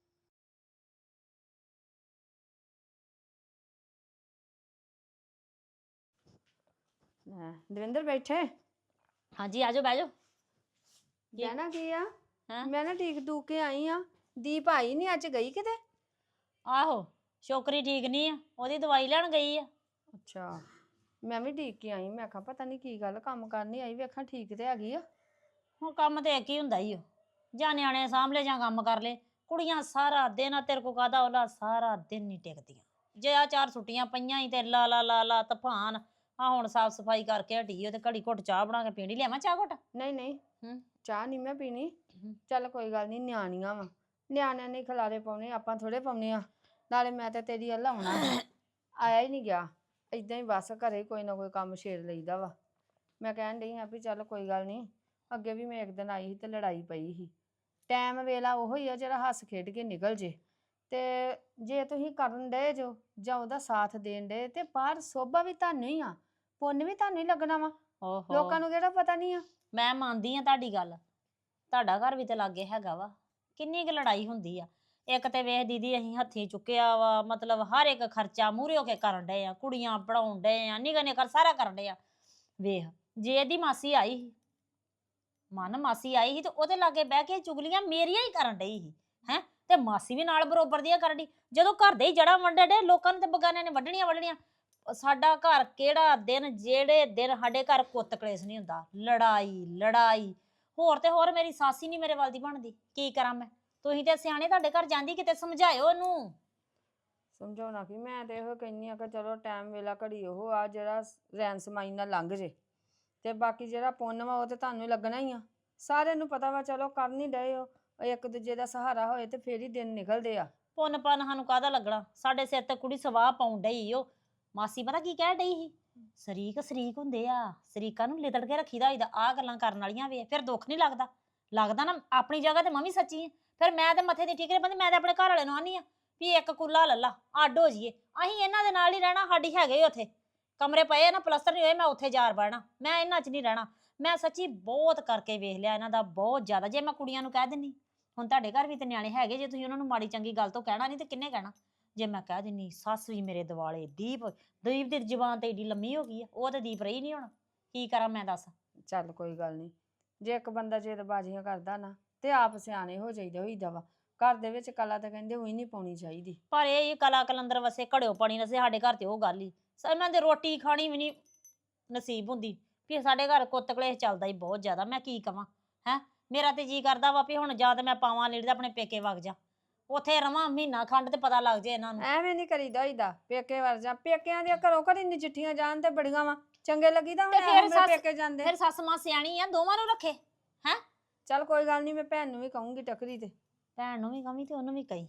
[SPEAKER 5] ਲੈ, ਦਵਿੰਦਰ ਬੈਠੇ
[SPEAKER 6] ਹਾਂਜੀ ਆਜੋ ਬਹਿ ਜਾਓ।
[SPEAKER 5] ਕਹਿਣਾ ਕੀ ਆ
[SPEAKER 6] ਹੈਂ?
[SPEAKER 5] ਮੈਂ ਨਾ ਠੀਕ ਟੂਕ ਕੇ ਆਈ ਆ ਦੀਪ ਆਈ ਨਹੀਂ ਅੱਜ ਗਈ ਕਿਤੇ
[SPEAKER 6] ਆਹੋ ਛੋਕਰੀ ਠੀਕ ਨਹੀਂ ਆ ਉਹਦੀ ਦਵਾਈ ਲੈਣ ਗਈ ਆ।
[SPEAKER 5] ਅੱਛਾ ਮੈਂ ਵੀ ਠੀਕ ਕੇ ਆਈ ਮੈਂ ਕਿਹਾ ਪਤਾ ਨਹੀਂ ਕੀ ਗੱਲ ਕੰਮ ਕਰਨੀ ਆਈ ਵੇਖਾਂ ਠੀਕ ਤੇ ਹੈਗੀ ਆ
[SPEAKER 6] ਹੁਣ ਕੰਮ ਤੇ ਇੱਕ ਹੀ ਹੁੰਦਾ ਹੀ ਓ ਜਾਂ ਨਿਆਣੇ ਸਾਂਭ ਲੈ ਜਾਂ ਕੰਮ ਕਰ ਲੈ। ਕੁੜੀਆਂ ਸਾਰਾ ਦਿਨ ਆ ਤੇਰੇ ਕੋ ਕਾਹਦਾ ਉਹਲਾ ਸਾਰਾ ਦਿਨ ਨਹੀਂ ਟਿਕਦੀਆਂ। ਜੇ ਆ ਚਾਰ ਛੁੱਟੀਆਂ ਪਈਆਂ ਹੀ ਤੇ ਲਾ ਲਾ ਲਾ ਲਾ ਤੂਫਾਨ ਆ ਹੁਣ ਸਾਫ ਸਫਾਈ ਕਰਕੇ ਹਟੀ ਓ ਤੇ ਘੜੀ ਘੁੱਟ ਚਾਹ ਬਣਾ ਕੇ ਪੀਣੀ। ਲਿਆਵਾਂ ਚਾਹ ਘੁੱਟ?
[SPEAKER 5] ਨਹੀਂ ਨਹੀਂ
[SPEAKER 6] ਹੂੰ।
[SPEAKER 5] ਚਾਹ ਨਹੀਂ ਮੈਂ ਪੀਣੀ
[SPEAKER 6] ਹੂੰ।
[SPEAKER 5] ਚੱਲ ਕੋਈ ਗੱਲ ਨਹੀਂ ਨਿਆਣੀਆਂ ਵਾ ਨਿਆਣਿਆਂ ਨੇ ਖਿਲਾਰੇ ਪਾਉਣੇ ਆਪਾਂ ਥੋੜੇ ਪਾਉਣੇ ਆ ਨਾਲੇ ਮੈਂ ਤੇ ਤੇਰੀ ਅੱਲਾ ਹੋਣਾ ਆਇਆ ਹੀ ਨਹੀਂ ਗਿਆ ਇਦਾਂ ਹੀ ਬਸ ਘਰੇ ਕੋਈ ਨਾ ਕੋਈ ਕੰਮ ਛੇੜ ਲਈਦਾ ਵਾ। ਮੈਂ ਕਹਿਣ ਡਈ ਹਾਂ ਵੀ ਚੱਲ ਕੋਈ ਗੱਲ ਨਹੀਂ ਅੱਗੇ ਵੀ ਮੈਂ ਇੱਕ ਦਿਨ ਆਈ ਸੀ ਤੇ ਲੜਾਈ ਪਈ ਸੀ ਟਾਈਮ ਵੇਲਾ ਉਹੋ ਹੀ ਆ ਜਿਹੜਾ ਹੱਸ ਖੇਡ ਕੇ ਨਿਕਲ ਜੇ ਤੇ ਜੇ ਤੁਸੀਂ ਕਰਨ ਡਏ ਜੋ ਜਾਂ ਉਹਦਾ ਸਾਥ ਦੇਣ ਡਏ ਤੇ ਬਾਹਰ ਸੋਭਾ ਵੀ ਤੁਹਾਨੂੰ ਹੀ ਆ ਪੁੰਨ ਵੀ ਤੁਹਾਨੂੰ ਹੀ ਲੱਗਣਾ ਵਾ
[SPEAKER 6] ਓਹੋ
[SPEAKER 5] ਲੋਕਾਂ ਨੂੰ ਕਿਹੜਾ ਪਤਾ ਨਹੀਂ ਆ
[SPEAKER 6] ਮੈਂ ਮੰਨਦੀ ਆ ਤੁਹਾਡੀ ਗੱਲ। ਤੁਹਾਡਾ ਘਰ ਵੀ ਤੇ ਲਾਗੇ ਹੈਗਾ ਵਾ ਕਿੰਨੀ ਕੁ ਲੜਾਈ ਹੁੰਦੀ ਆ। ਇੱਕ ਤੇ ਵੇਖ ਦੀਦੀ ਅਸੀਂ ਹੱਥੀਂ ਚੁੱਕਿਆ ਵਾ ਮਤਲਬ ਹਰ ਇੱਕ ਖਰਚਾ ਮੂਹਰੇ ਹੋ ਕੇ ਕਰਨ ਡਏ ਆ ਕੁੜੀਆਂ ਪੜਾਉਣ ਡਏ ਆ ਨਿੱਘਾ ਨਿੱਘਾ ਸਾਰਾ ਕਰਨ ਡਏ ਆ। ਵੇਖ ਜੇ ਇਹਦੀ ਮਾਸੀ ਆਈ ਸੀ ਮਨ ਮਾਸੀ ਆਈ ਸੀ ਤੇ ਉਹਦੇ ਲਾਗੇ ਬਹਿ ਕੇ ਚੁਗਲੀਆਂ ਮੇਰੀਆਂ ਹੀ ਕਰਨ ਡਈ ਸੀ ਹੈ ਤੇ ਮਾਸੀ ਵੀ ਨਾਲ ਬਰੋਬਰ ਦੀਆਂ ਕਰਨ ਡਈ। ਜਦੋਂ ਘਰ ਦੇ ਹੀ ਜੜਾ ਵੰਡੇ ਡੇ ਲੋਕਾਂ ਨੇ ਤੇ ਬਗਾਨਿਆਂ ਨੇ ਵੱਢਣੀਆਂ ਵੱਢਣੀਆਂ। ਸਾਡਾ ਘਰ ਕਿਹੜਾ ਦਿਨ ਜਿਹੜੇ ਦਿਨ ਸਾਡੇ ਘਰ ਕੁੱਤ ਕਲੇਸ਼ ਨਹੀਂ ਹੁੰਦਾ ਲੜਾਈ ਲੜਾਈ ਹੋਰ ਤੇ ਹੋਰ ਮੇਰੀ ਸੱਸ ਹੀ ਨਹੀਂ ਮੇਰੇ ਵੱਲ ਦੀ ਬਣਦੀ। ਕੀ ਕਰਾਂ ਮੈਂ? ਤੁਸੀਂ ਤੇ ਸਿਆਣੇ ਤੁਹਾਡੇ ਘਰ ਜਾਂਦੀ ਕਿਤੇ ਸਮਝਾਇਓ ਉਹਨੂੰ।
[SPEAKER 5] ਸਮਝਾਉਣਾ ਕਿ ਮੈਂ ਤੇ ਇਹੋ ਕਹਿੰਨੀ ਆ ਕਿ ਚਲੋ ਟਾਈਮ ਵੇਲਾ ਘੜੀ ਉਹ ਆ ਜਿਹੜਾ ਰੈਨ ਸਮਾਈ ਨਾਲ ਲੰਘ ਜੇ ਤੇ ਬਾਕੀ ਜਿਹੜਾ ਪੁੰਨ ਵਾ ਉਹ ਤੇ ਤੁਹਾਨੂੰ ਹੀ ਲੱਗਣਾ ਹੀ ਆ ਸਾਰਿਆਂ ਨੂੰ ਪਤਾ ਵਾ ਚਲੋ ਕਰ ਨਹੀਂ ਡਏ ਹੋ ਇੱਕ ਦੂਜੇ ਦਾ ਸਹਾਰਾ ਹੋਏ ਤੇ ਫੇਰ ਹੀ ਦਿਨ ਨਿਕਲਦੇ ਆ।
[SPEAKER 6] ਪੁੰਨ ਪੰਨ ਸਾਨੂੰ ਕਾਹਦਾ ਲੱਗਣਾ ਸਾਡੇ ਸਿਰ ਤੇ ਕੁੜੀ ਸਵਾਹ ਪਾਉਣ ਡਈ ਓ। ਮਾਸੀ ਪਤਾ ਕੀ ਕਹਿ ਡਈ ਸੀ ਸ਼ਰੀਕ ਸ਼ਰੀਕ ਹੁੰਦੇ ਆ ਸ਼ਰੀਕਾਂ ਨੂੰ ਲਿਦੜ ਕੇ ਰੱਖੀਦਾ ਹੋਈਦਾ ਆਹ ਗੱਲਾਂ ਕਰਨ ਵਾਲੀਆਂ ਵੇ ਫਿਰ ਦੁੱਖ ਨਹੀਂ ਲੱਗਦਾ। ਲੱਗਦਾ ਨਾ ਆਪਣੀ ਜਗ੍ਹਾ ਤੇ ਮੈਂ ਵੀ ਸੱਚੀ ਆ ਫਿਰ ਮੈਂ ਤੇ ਮੱਥੇ ਦੀ ਠੀਕਰੇ ਬੰਦੀ ਮੈਂ ਤੇ ਆਪਣੇ ਘਰ ਵਾਲੇ ਨੂੰ ਆਨੀ ਆ ਵੀ ਇੱਕ ਕੁੱਲਾ ਲੱਲਾ ਅੱਡ ਹੋ ਜਾਈਏ ਅਸੀਂ ਇਹਨਾਂ ਦੇ ਨਾਲ ਹੀ ਰਹਿਣਾ ਸਾਡੀ ਹੈਗੇ ਉੱਥੇ ਕਮਰੇ ਪਏ ਨਾ ਪਲਸਤਰ ਨਹੀਂ ਹੋਏ ਮੈਂ ਉੱਥੇ ਜਾਰ ਬਹਿਣਾ ਮੈਂ ਇਹਨਾਂ 'ਚ ਨਹੀਂ ਰਹਿਣਾ। ਮੈਂ ਸੱਚੀ ਬਹੁਤ ਕਰਕੇ ਵੇਖ ਲਿਆ ਇਹਨਾਂ ਦਾ ਬਹੁਤ ਜ਼ਿਆਦਾ। ਜੇ ਮੈਂ ਕੁੜੀਆਂ ਨੂੰ ਕਹਿ ਦਿੰਨੀ ਹੁਣ ਤੁਹਾਡੇ ਘਰ ਵੀ ਤੇ ਨਿਆਣੇ ਹੈਗੇ ਜੇ ਤੁਸੀਂ ਉਹਨਾਂ ਨੂੰ ਮਾੜੀ ਚੰਗੀ ਗੱਲ ਤੋਂ ਕਹਿਣਾ ਨਹੀਂ ਤੇ ਕਿੰਨੇ ਕਹਿਣਾ। ਜੇ ਮੈਂ ਕਹਿ ਦਿੰਨੀ ਸੱਸ ਵੀ ਮੇਰੇ ਦਿਵਾਲੇ ਦੀਪ ਦੀਪ ਦੀ ਜ਼ੁਬਾਨ ਤੇ ਏਡੀ ਲੰਮੀ ਹੋ ਗਈ ਆ ਉਹ ਤੇ ਦੀਪ ਰਹੀ ਨਹੀਂ ਹੁਣ ਕੀ ਕਰਾਂ ਮੈਂ ਦੱਸ।
[SPEAKER 5] ਚੱਲ ਕੋਈ ਗੱਲ ਨਹੀਂ ਜੇ ਇੱਕ ਬੰਦਾ ਜੇਦਬਾਜ਼ੀਆਂ ਕਰਦਾ ਨਾ ਤੇ ਆਪ ਸਿਆਣੇ ਹੋ ਜਾਈਦਾ ਹੋਈਦਾ ਵਾ ਘਰ ਦੇ ਵਿੱਚ ਕਲਾ ਤਾਂ ਕਹਿੰਦੇ ਉਹੀ ਨਹੀਂ ਪਾਉਣੀ ਚਾਹੀਦੀ।
[SPEAKER 6] ਪਰ ਇਹ ਕਲਾ ਕਲੰਦਰ ਵਸੇ ਘੜਿਓ ਪਾਣੀ ਨਸੇ ਸਾਡੇ ਘਰ ਤੇ ਉਹ ਗੱਲ ਹੀ ਇਹਨਾਂ ਦੇ ਰੋਟੀ ਖਾਣੀ ਵੀ ਨਹੀਂ ਨਸੀਬ ਹੁੰਦੀ ਵੀ ਸਾਡੇ ਘਰ ਕੁੱਤ ਕਲੇਸ਼ ਚੱਲਦਾ ਹੀ ਬਹੁਤ ਜ਼ਿਆਦਾ। ਮੈਂ ਕੀ ਕਵਾਂ ਹੈ ਮੇਰਾ ਤੇ ਜੀ ਕਰਦਾ ਵਾ ਵੀ ਹੁਣ ਜਾਂ ਤੇ ਮੈਂ ਪਾਵਾਂ ਲੀੜੇ ਆਪਣੇ ਪੇਕੇ ਵਗ ਜਾ ਉੱਥੇ ਰਵਾਂ ਮਹੀਨਾ ਖੰਡ ਤੇ ਪਤਾ ਲੱਗ ਜੇ ਇਹਨਾਂ ਨੂੰ।
[SPEAKER 5] ਐਵੇਂ ਨਹੀਂ ਕਰੀਦਾ ਹੋਈਦਾ ਪੇਕੇ ਵਰ ਜਾ ਪੇਕਿਆਂ ਦੀਆਂ ਘਰੋਂ ਘਰੀ ਨਜਿੱਠੀਆਂ ਜਾਣ ਤੇ ਬੜੀਆਂ ਵਾ ਚੰਗੇ ਲੱਗੀਦਾ
[SPEAKER 6] ਤੇ
[SPEAKER 5] ਹੁਣ
[SPEAKER 6] ਫਿਰ
[SPEAKER 5] ਮੇਰੇ
[SPEAKER 6] ਸੱਸ-
[SPEAKER 5] ਪੇਕੇ ਜਾਂਦੇ।
[SPEAKER 6] ਫਿਰ ਸੱਸ ਮਾਂ ਸਿਆਣੀ ਆ ਦੋਵਾਂ ਨੂੰ ਰੱਖੇ।
[SPEAKER 5] ਚੱਲ ਕੋਈ ਗੱਲ ਨਹੀਂ ਮੈਂ ਭੈਣ ਨੂੰ ਵੀ ਕਹੂੰਗੀ ਟੱਕਰੀ ਤੇ
[SPEAKER 6] ਭੈਣ ਨੂੰ ਵੀ ਕਵੀ ਤੇ ਉਹਨੂੰ ਵੀ ਕਹੀ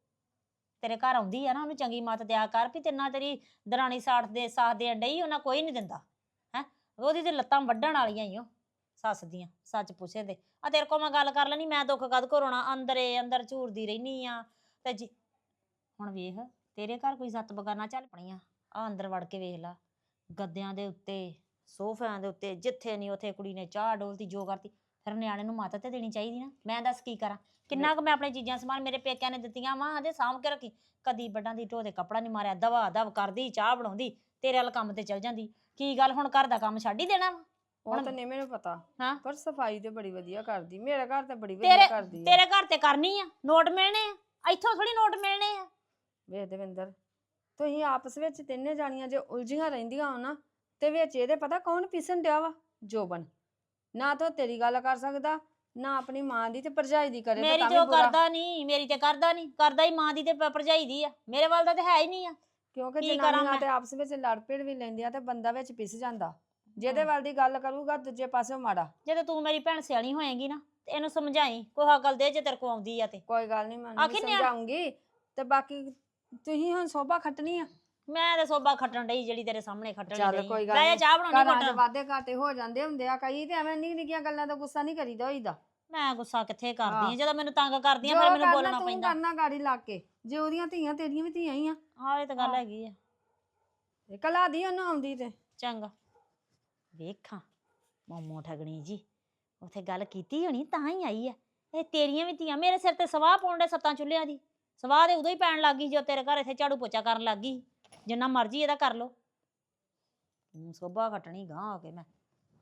[SPEAKER 6] ਤੇਰੇ ਘਰ ਆਉਂਦੀ ਆ ਨਾ ਉਹਨੂੰ ਚੰਗੀ ਮੱਤ ਦਿਆ ਕਰ ਵੀ ਤਿੰਨਾ ਤੇਰੀ ਦਰਾਣੀ ਸਾਥ ਦੇ ਸਾਥ ਦੇਣ ਡਈ ਉਹਨਾਂ ਕੋਈ ਨਹੀਂ ਦਿੰਦਾ ਹੈ ਉਹਦੀ ਤੇ ਲੱਤਾਂ ਵੱਢਣ ਵਾਲੀਆਂ ਹੀ ਉਹ ਸੱਸ ਦੀਆਂ ਸੱਚ ਪੁੱਛੇ ਤੇ ਆ ਤੇਰੇ ਕੋਲ ਮੈਂ ਗੱਲ ਕਰ ਲੈਣੀ ਮੈਂ ਦੁੱਖ ਕਦ ਘਰੋਣਾ ਅੰਦਰੇ ਅੰਦਰ ਝੂਰਦੀ ਰਹਿਨੀ ਆ ਤੇ ਜੀ ਹੁਣ ਵੇਖ ਤੇਰੇ ਘਰ ਕੋਈ ਸੱਤ ਬਗਾਨਾ ਚੱਲ ਪਣੀਆਂ ਆ ਅੰਦਰ ਵੜ ਕੇ ਵੇਖ ਲਾ ਗੱਦਿਆਂ ਦੇ ਉੱਤੇ ਸੋਫਿਆਂ ਦੇ ਉੱਤੇ ਜਿੱਥੇ ਨਹੀਂ ਉੱਥੇ ਕੁੜੀ ਨੇ ਚਾਹ ਡੋਲਤੀ ਜੋ ਕਰਤੀ ਫਿਰ ਨਿਆਣੇ ਨੂੰ ਮੱਤ ਤੇ ਦੇਣੀ ਚਾਹੀਦੀ ਨਾ। ਮੈਂ ਦੱਸ ਕੀ ਕਰਾਂ ਕਿੰਨਾ ਕੁ ਮੈਂ ਆਪਣੀ ਚੀਜ਼ਾਂ ਸਮਾਨ ਮੇਰੇ ਪੇਕਿਆਂ ਨੇ ਦਿੱਤੀਆਂ ਵਾ ਆਦੇ ਸਾਂਭ ਕੇ ਰੱਖੀ ਕਦੀ ਵੱਡਾਂ ਦੀ ਢੋ ਦੇ ਕੱਪੜਾ ਨਹੀਂ ਮਾਰਿਆ ਦਵਾ ਦਵ ਕਰਦੀ ਚਾਹ ਬਣਾਉਂਦੀ ਤੇਰੇ ਵਾਲ ਕੰਮ ਤੇ ਚਲ ਜਾਂਦੀ। ਕੀ ਗੱਲ ਹੁਣ ਘਰ ਦਾ ਕੰਮ ਛੱਡ ਹੀ ਦੇਣਾ ਵਾ?
[SPEAKER 5] ਉਹ ਤਾਂ ਨਹੀਂ ਮੈਨੂੰ ਪਤਾ
[SPEAKER 6] ਹਾਂ
[SPEAKER 5] ਪਰ ਸਫਾਈ ਤੇ ਬੜੀ ਵਧੀਆ ਕਰਦੀ ਮੇਰੇ ਘਰ ਤੇ ਬੜੀ
[SPEAKER 6] ਤੇਰੇ
[SPEAKER 5] ਵਧੀਆ ਕਰਦੀ ਆ।
[SPEAKER 6] ਤੇਰੇ ਘਰ ਤੇ ਕਰਨੀ ਆ ਨੋਟ ਮਿਲਣੇ ਆ ਇੱਥੋਂ ਥੋੜੀ ਨੋਟ ਮਿਲਣੇ ਆ।
[SPEAKER 5] ਵੇਖ ਦਵਿੰਦਰ ਤੁਸੀਂ ਆਪਸ ਵਿੱਚ ਤਿੰਨੇ ਜਾਣੀਆਂ ਜੇ ਉਲਝੀਆਂ ਰਹਿੰਦੀਆਂ ਹੋ ਨਾ ਤੇ ਵਿੱਚ ਇਹਦੇ ਪਤਾ ਕੌਣ ਪੀਸਣ ਡਿਆ ਵਾ ਜੋਬਨ ਨਾ ਤਾਂ ਤੇਰੀ ਗੱਲ ਕਰ ਸਕਦਾ ਨਾ ਆਪਣੀ ਮਾਂ ਦੀ ਤੇ ਭਰਜਾਈ ਦੀ ਕਰੇ
[SPEAKER 6] ਮੇਰੀ ਤੇ ਉਹ ਕਰਦਾ ਨਹੀਂ ਮੇਰੀ ਤੇ ਕਰਦਾ ਨਹੀਂ ਕਰਦਾ ਹੀ ਮਾਂ ਦੀ ਤੇ ਭ- ਭਰਜਾਈ ਦੀ ਆ ਮੇਰੇ ਵੱਲ ਦਾ ਤੇ ਹੈ ਹੀ ਨਹੀਂ ਆ।
[SPEAKER 5] ਕਿਉਂਕਿ
[SPEAKER 6] ਕੀ ਕਰਾਂ
[SPEAKER 5] ਜਨਾਨੀਆਂ
[SPEAKER 6] ਮੈਂ?
[SPEAKER 5] ਤੇ ਆਪਸ ਵਿੱਚ ਲੜ ਭਿੜ ਵੀ ਲੈਂਦੀਆਂ ਤੇ ਬੰਦਾ ਵਿੱਚ ਪਿਸ ਜਾਂਦਾ ਜਿਹਦੇ ਵੱਲ ਦੀ ਗੱਲ ਕਰੂਗਾ ਦੂਜੇ ਪਾਸੇ ਮਾੜਾ।
[SPEAKER 6] ਜਦੋਂ ਤੂੰ ਮੇਰੀ ਭੈਣ ਸਿਆਣੀ ਹੋਏਗੀ ਨਾ ਤੇ ਇਹਨੂੰ ਸਮਝਾਈ ਕੋਈ ਹਕਲ ਦੇ ਜੇ ਤੇਰੇ ਕੋ ਆਉਂਦੀ ਆ ਤੇ
[SPEAKER 5] ਕੋਈ ਗੱਲ ਨਹੀਂ ਮੈਂ ਉਹਨੂੰ ਵੀ
[SPEAKER 6] ਆਖੀ ਨਿਆ-
[SPEAKER 5] ਸਮਝਾਉਂਗੀ ਤੇ ਬਾਕੀ ਤੁਸੀਂ ਹੁਣ ਸੋਭਾ ਖੱਟਣੀ ਆ।
[SPEAKER 6] ਮੈਂ ਤੇ ਸੋਭਾ ਖੱਟਣ ਡਈ ਜਿਹੜੀ ਤੇਰੇ ਸਾਹਮਣੇ ਖੱਟਣ
[SPEAKER 5] ਚੱਲ
[SPEAKER 6] ਡਈ
[SPEAKER 5] ਕੋਈ ਗੱਲ
[SPEAKER 6] ਲੈ ਜਾ
[SPEAKER 5] ਨੀ।
[SPEAKER 6] ਚਾਹ ਬਣਾਉਣੀ
[SPEAKER 5] ਘਰਾਂ 'ਚ
[SPEAKER 6] ਘੁੱਟ
[SPEAKER 5] ਵਾਧੇ ਘਾਟੇ ਹੋ ਜਾਂਦੇ ਹੁੰਦੇ ਆ ਕਈ ਤੇ ਐਵੇਂ ਨਿੱਕੀ ਨਿੱਕੀਆਂ ਗੱਲਾਂ ਦਾ ਗੁੱਸਾ ਨਹੀਂ ਕਰੀਦਾ ਹੋਈਦਾ।
[SPEAKER 6] ਮੈਂ ਗੁੱਸਾ ਕਿੱਥੇ ਕਰਦੀ ਆ
[SPEAKER 5] ਹਾਂ।
[SPEAKER 6] ਜਦੋਂ ਮੈਨੂੰ ਤੰਗ ਕਰਦੀਆਂ
[SPEAKER 5] ਜੋ
[SPEAKER 6] ਫਿਰ ਮੈਨੂੰ
[SPEAKER 5] ਕਰਨਾ
[SPEAKER 6] ਬੋਲਣਾ
[SPEAKER 5] ਤੂੰ
[SPEAKER 6] ਪੈਂਦਾ।
[SPEAKER 5] ਕਰਨਾ ਗਾੜੀ ਲਾ ਕੇ ਜੇ ਉਹਦੀਆਂ ਧੀਆਂ ਤੇਰੀਆਂ ਵੀ ਧੀਆਂ ਹੀ ਆ
[SPEAKER 6] ਹਾਂ ਇਹ ਤਾਂ ਗੱਲ
[SPEAKER 5] ਹਾਂ।
[SPEAKER 6] ਹੈਗੀ ਆ
[SPEAKER 5] ਤੇ ਕਲਾ ਦੀ ਉਹਨੂੰ ਆਉਂਦੀ ਤੇ
[SPEAKER 6] ਚੰਗਾ ਵੇਖਾਂ ਮੋਮੋ ਠਗਣੀ ਜੀ ਉੱਥੇ ਗੱਲ ਕੀਤੀ ਹੋਣੀ ਤਾਂ ਹੀ ਆਈ ਆ। ਇਹ ਤੇਰੀਆਂ ਵੀ ਧੀਆਂ ਮੇਰੇ ਸਿਰ ਤੇ ਸਵਾਹ ਪਾਉਣ ਦੇ ਸੱਤਾਂ ਚੁੱਲ੍ਹਿਆਂ ਦੀ। ਸਵਾਹ ਤੇ ਉਦੋਂ ਹੀ ਪੈਣ ਲੱਗ ਗਈ ਜਦੋਂ ਤੇਰੇ ਘਰ ਇੱਥੇ ਝਾੜੂ ਪੋਚਾ ਕਰਨ ਲੱਗ ਗਈ। ਜਿੰਨਾ ਮਰਜ਼ੀ ਇਹਦਾ ਕਰ ਲੋ। ਹੂੰ ਸੋਭਾ ਖੱਟਣੀ ਗਾਂ ਹੋ ਕੇ ਮੈਂ।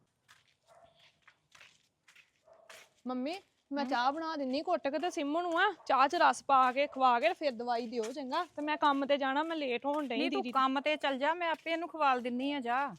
[SPEAKER 7] ਮੰਮੀ ਮੈਂ ਚਾਹ ਬਣਾ ਦਿੰਨੀ ਘੁੱਟ ਕੇ ਤੇ ਸਿੰਮੂ ਨੂੰ ਆ ਚਾਹ ਚ ਰਸ ਪਾ ਕੇ ਖਵਾ ਕੇ ਤੇ ਫਿਰ ਦਵਾਈ ਦਿਓ ਚੰਗਾ। ਤੇ ਮੈਂ ਕੰਮ ਤੇ ਜਾਣਾ, ਮੈਂ ਲੇਟ ਹੋਣ ਡਈ
[SPEAKER 8] ਨਹੀਂ ਤੂੰ
[SPEAKER 7] ਦੀਦੀ।
[SPEAKER 8] ਕੰਮ ਤੇ ਚੱਲ ਜਾ, ਮੈਂ ਆਪੇ ਇਹਨੂੰ ਖਵਾਲ ਦਿੰਨੀ ਆ ਜਾ।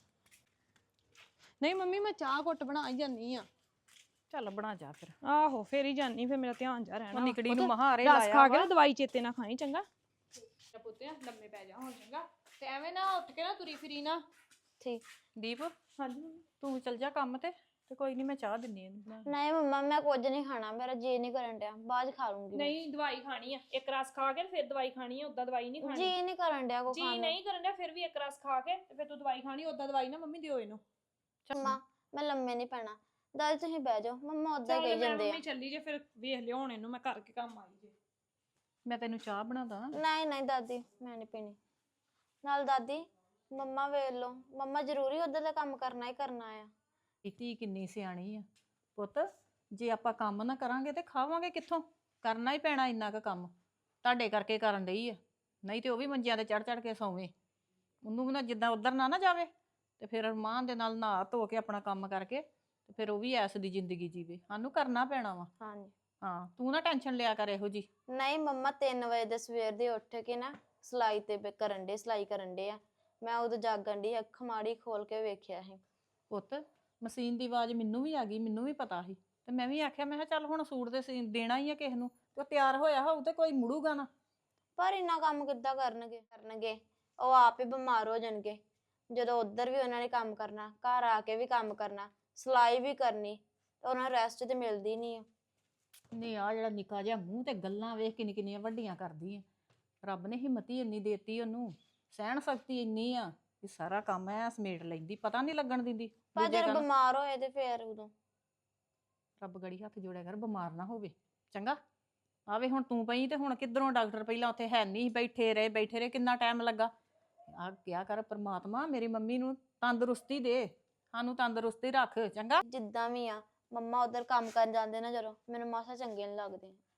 [SPEAKER 7] ਨਹੀਂ ਮੰਮੀ ਮੈਂ ਚਾਹ ਘੁੱਟ ਬਣਾ ਹੀ ਜਾਨੀ ਆ।
[SPEAKER 8] ਚੱਲ ਬਣਾ ਜਾ ਫਿਰ।
[SPEAKER 7] ਆਹੋ ਫੇਰ ਹੀ ਜਾਨੀ, ਫਿਰ ਮੇਰਾ ਧਿਆਨ ਜਾ ਰਹਿਣਾ।
[SPEAKER 8] ਉਹ ਨਿਕੜੀ
[SPEAKER 7] ਪੁੱਤ,
[SPEAKER 8] ਨੂੰ ਮਹਾਰੇ
[SPEAKER 7] ਰਸ
[SPEAKER 8] ਲਾਇਆ
[SPEAKER 7] ਖਾ ਕੇ
[SPEAKER 8] ਵਾ।
[SPEAKER 7] ਨਾ ਦਵਾਈ ਚੇਤੇ ਨਾ ਖਾਈ ਚੰਗਾ। ਪੁੱਤਿਆ ਲੰਮੇ ਪੈ ਜਾ ਹੁਣ ਚੰਗਾ, ਤੇ ਐਵੇਂ ਨਾ ਉੱਠ ਕੇ ਨਾ ਤੁਰੀ ਫਿਰੀ ਨਾ।
[SPEAKER 5] ਠੀਕ।
[SPEAKER 8] ਦੀਪ
[SPEAKER 7] ਹਾਂਜੀ ਮੰਮੀ।
[SPEAKER 8] ਤੂੰ ਚੱਲ ਜਾ ਕੰਮ ਤੇ ਤੇ ਕੋਈ ਨਹੀਂ ਮੈਂ ਚਾਹ ਦਿੰਨੀ ਇਹਨੂੰ ਬਣਾ ਕੇ।
[SPEAKER 5] ਨਹੀਂ ਮੰਮਾ ਮੈਂ ਕੁਝ ਨਹੀਂ ਖਾਣਾ, ਮੇਰਾ ਜੀ ਨਹੀਂ ਕਰਨ ਡਿਆ, ਬਾਅਦ 'ਚ ਖਾ ਲੂੰਗੀ ਮੈਂ।
[SPEAKER 7] ਨਹੀਂ ਦਵਾਈ ਖਾਣੀ ਆ, ਇੱਕ ਰਸ ਖਾ ਕੇ ਤੇ ਫਿਰ ਦਵਾਈ ਖਾਣੀ ਆ, ਉਦਾਂ ਦਵਾਈ ਨਹੀਂ ਖਾਣੀ।
[SPEAKER 5] ਜੀ ਨਹੀਂ ਕਰਨ ਡਿਆ ਕੋ
[SPEAKER 7] ਜੀ
[SPEAKER 5] ਖਾਣ ਨੂੰ।
[SPEAKER 7] ਨਹੀਂ ਕਰਨ ਡਿਆ ਫਿਰ ਵੀ ਇੱਕ ਰਸ ਖਾ ਕੇ ਤੇ ਫਿਰ ਤੂੰ ਦਵਾਈ ਖਾਣੀ, ਉਦਾਂ ਦਵਾਈ ਨਾ ਮੰਮੀ ਦਿਓ ਇਹਨੂੰ।
[SPEAKER 5] ਮੰਮਾ ਮੈਂ ਲੰਮੇ ਨਹੀਂ ਪੈਣਾ, ਦਾਦੀ ਤੁਸੀਂ ਬਹਿ ਜਾਓ, ਮੰਮਾ ਉਦਾਂ
[SPEAKER 7] ਚੱਲ
[SPEAKER 5] ਹੀ ਕਹੀ
[SPEAKER 7] ਮੈਂ
[SPEAKER 5] ਜਾਂਦੇ ਆ।
[SPEAKER 7] ਮੰਮੀ ਚੱਲੀ ਜੇ ਫਿਰ ਵੇਖ ਲਿਓ ਹੁਣ ਇਹਨੂੰ ਮੈਂ ਕਰਕੇ ਕੰਮ ਆਈ ਜੇ।
[SPEAKER 8] ਮੈਂ ਤੈਨੂੰ ਚਾਹ ਬਣਾ ਦਾਂ।
[SPEAKER 5] ਨਹੀਂ ਨਹੀਂ ਦਾਦੀ ਮੈਂ ਨਹੀਂ ਪੀਣੀ। ਨਾਲ ਦਾਦੀ ਮੰਮਾ ਵੇਖ ਲਓ, ਮੰਮਾ ਜ਼ਰੂਰੀ ਉਧਰ ਦਾ ਕੰਮ ਕਰਨਾ ਹੀ ਕਰਨਾ ਆ।
[SPEAKER 8] ਧੀ ਕਿੰਨੀ ਸਿਆਣੀ ਆ ਪੁੱਤ। ਜੇ ਆਪਾਂ ਕੰਮ ਨਾ ਕਰਾਂਗੇ ਤੇ ਖਾਵਾਂਗੇ ਕਿੱਥੋਂ? ਕਰਨਾ ਹੀ ਪੈਣਾ ਇੰਨਾ ਕੁ ਕੰਮ। ਤੁਹਾਡੇ ਕਰਕੇ ਕਰਨ ਡਈ ਆ, ਨਹੀਂ ਤੇ ਉਹ ਵੀ ਮੰਜਿਆਂ ਤੇ ਚੜ ਚੜ ਕੇ ਸੌਵੇਂ। ਉਹਨੂੰ ਵੀ ਨਾ ਜਿੱਦਾਂ ਉਧਰ ਨਾ ਨਾ ਜਾਵੇ ਤੇ ਫਿਰ ਮਾਂ ਦੇ ਨਾਲ ਨਹਾ ਧੋ ਕੇ ਆਪਣਾ ਕੰਮ ਕਰਕੇ ਤੇ ਫਿਰ ਉਹ ਵੀ ਐਸ ਦੀ ਜ਼ਿੰਦਗੀ ਜੀਵੇ। ਸਾਨੂੰ ਕਰਨਾ ਪੈਣਾ ਵਾ।
[SPEAKER 5] ਹਾਂਜੀ।
[SPEAKER 8] ਹਾਂ ਤੂੰ ਨਾ ਟੈਨਸ਼ਨ ਲਿਆ ਕਰ ਇਹੋ ਜੀ।
[SPEAKER 5] ਨਹੀਂ ਮੰਮਾ ਤਿੰਨ ਵਜੇ ਦੇ ਸਵੇਰ ਦੇ ਉੱਠ ਕੇ ਨਾ ਸਿਲਾਈ ਤੇ ਬ- ਕਰਨ ਡੇ ਸਿਲਾਈ ਕਰਨ ਡੇ ਆ। ਮੈਂ ਉਦੋਂ ਜਾਗਣ ਡਈ, ਅੱਖ ਮਾੜੀ ਖੋਲ ਕੇ ਵੇਖਿਆ ਸੀ।
[SPEAKER 8] ਪੁੱਤ ਮਸ਼ੀਨ ਦੀ ਆਵਾਜ਼ ਮੈਨੂੰ ਵੀ ਆ ਗਈ, ਮੈਨੂੰ ਵੀ ਪਤਾ ਸੀ ਤੇ ਮੈਂ ਵੀ ਆਖਿਆ ਮੈਂ ਕਿਹਾ ਚੱਲ ਹੁਣ ਸੂਟ ਦੇ ਸੀਨ ਦੇਣਾ ਹੀ ਆ ਕਿਸੇ ਨੂੰ ਤੇ ਉਹ ਤਿਆਰ ਹੋਇਆ ਹੋਊ ਤੇ ਕੋਈ ਮੁੜੂਗਾ ਨਾ।
[SPEAKER 5] ਪਰ ਇੰਨਾ ਕੰਮ ਕਿੱਦਾਂ ਕਰਨਗੇ ਕਰਨਗੇ ਉਹ ਆਪ ਹੀ ਬਿਮਾਰ ਹੋ ਜਾਣਗੇ। ਜਦੋਂ ਉੱਧਰ ਵੀ ਉਹਨਾਂ ਨੇ ਕੰਮ ਕਰਨਾ, ਘਰ ਆ ਕੇ ਵੀ ਕੰਮ ਕਰਨਾ, ਸਿਲਾਈ ਵੀ ਕਰਨੀ, ਤੇ ਉਹਨਾਂ ਨੂੰ ਰੈਸਟ ਤੇ ਮਿਲਦੀ ਨਹੀਂ ਆ।
[SPEAKER 8] ਨਹੀਂ ਆ ਜਿਹੜਾ ਨਿੱਕਾ ਜਿਹਾ ਮੂੰਹ ਤੇ ਗੱਲਾਂ ਵੇਖ ਕਿੰਨੀ ਕਿੰਨੀਆਂ ਵੱਡੀਆਂ ਕਰਦੀ ਆ। ਰੱਬ ਨੇ ਹਿੰਮਤ ਹੀ ਇੰਨੀ ਦੇਤੀ ਉਹਨੂੰ, ਸਹਿਣ ਸ਼ਕਤੀ ਇੰਨੀ ਆ ਕਿ ਸਾਰਾ ਕੰਮ ਐ ਸਮੇਟ ਲੈਂਦੀ, ਪਤਾ ਨਹੀਂ ਲੱਗਣ ਦਿੰਦੀ।
[SPEAKER 5] ਪਰ
[SPEAKER 8] ਦੂਜੇ
[SPEAKER 5] ਜਦੋਂ
[SPEAKER 8] ਕਹਿਣ,
[SPEAKER 5] ਬਿਮਾਰ ਹੋਏ ਤੇ ਫੇਰ ਉਦੋਂ
[SPEAKER 8] ਰੱਬ ਗੜੀ ਹੱਥ ਜੋੜਿਆ ਕਰ ਬਿਮਾਰ ਨਾ ਹੋਵੇ ਚੰਗਾ। ਆਵੇ ਹੁਣ ਤੂੰ ਪਈ ਤੇ ਹੁਣ ਕਿੱਧਰੋਂ ਡਾਕਟਰ ਪਹਿਲਾਂ ਉੱਥੇ ਹੈ ਨਹੀਂ, ਬੈਠੇ ਰਹੇ ਬੈਠੇ ਰਹੇ ਕਿੰਨਾ ਟਾਈਮ ਲੱਗਾ। ਆ ਕਿਹਾ ਕਰ ਪ੍ਰਮਾਤਮਾ ਮੇਰੀ ਮੰਮੀ ਨੂੰ ਤੰਦਰੁਸਤੀ ਦੇ, ਸਾਨੂੰ ਤੰਦਰੁਸਤੀ ਰੱਖ ਚੰਗਾ।
[SPEAKER 5] ਜਿੱਦਾਂ ਵੀ ਆ ਮੰਮਾ ਉਧਰ ਕੰਮ ਕਰਨ ਜਾਂਦੇ ਨਾ ਜਦੋਂ ਮੈਨੂੰ ਮਾਸਾ ਚੰਗੇ ਨਹੀਂ ਲੱਗਦੇ।